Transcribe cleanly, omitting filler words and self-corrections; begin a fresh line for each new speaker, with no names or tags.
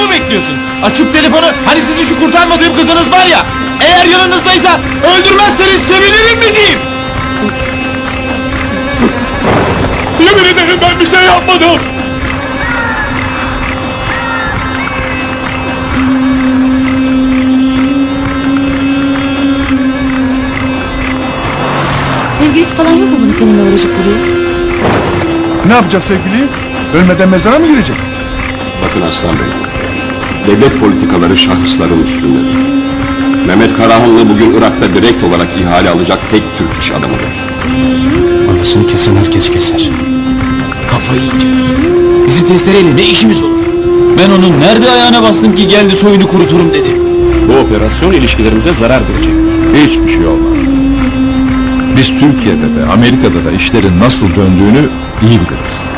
mu bekliyorsun? Açıp telefonu, hani sizin şu kurtarmadığım kızınız var ya, eğer yanınızdaysa öldürmezseniz sevinirim mi diyeyim? Yemin ederim ben bir şey yapmadım.
Sevgilisi falan yok mu bunu seninle uğraşıp duruyor?
Ne yapacak sevgili? Ölmeden mezara mı girecek?
Bakın Aslan Bey, devlet politikaları şahısların üstündedir. Mehmet Karahanlı bugün Irak'ta direkt olarak ihale alacak tek Türk iş adamıdır.
Anasını kesen herkesi keser. Kafayı yiyecek. Bizim testereyle ne işimiz olur? Ben onun nerede ayağına bastım ki geldi soyunu kuruturum dedi.
Bu operasyon ilişkilerimize zarar verecektir.
Hiçbir şey olmaz. Biz Türkiye'de de Amerika'da da işlerin nasıl döndüğünü iyi biliriz.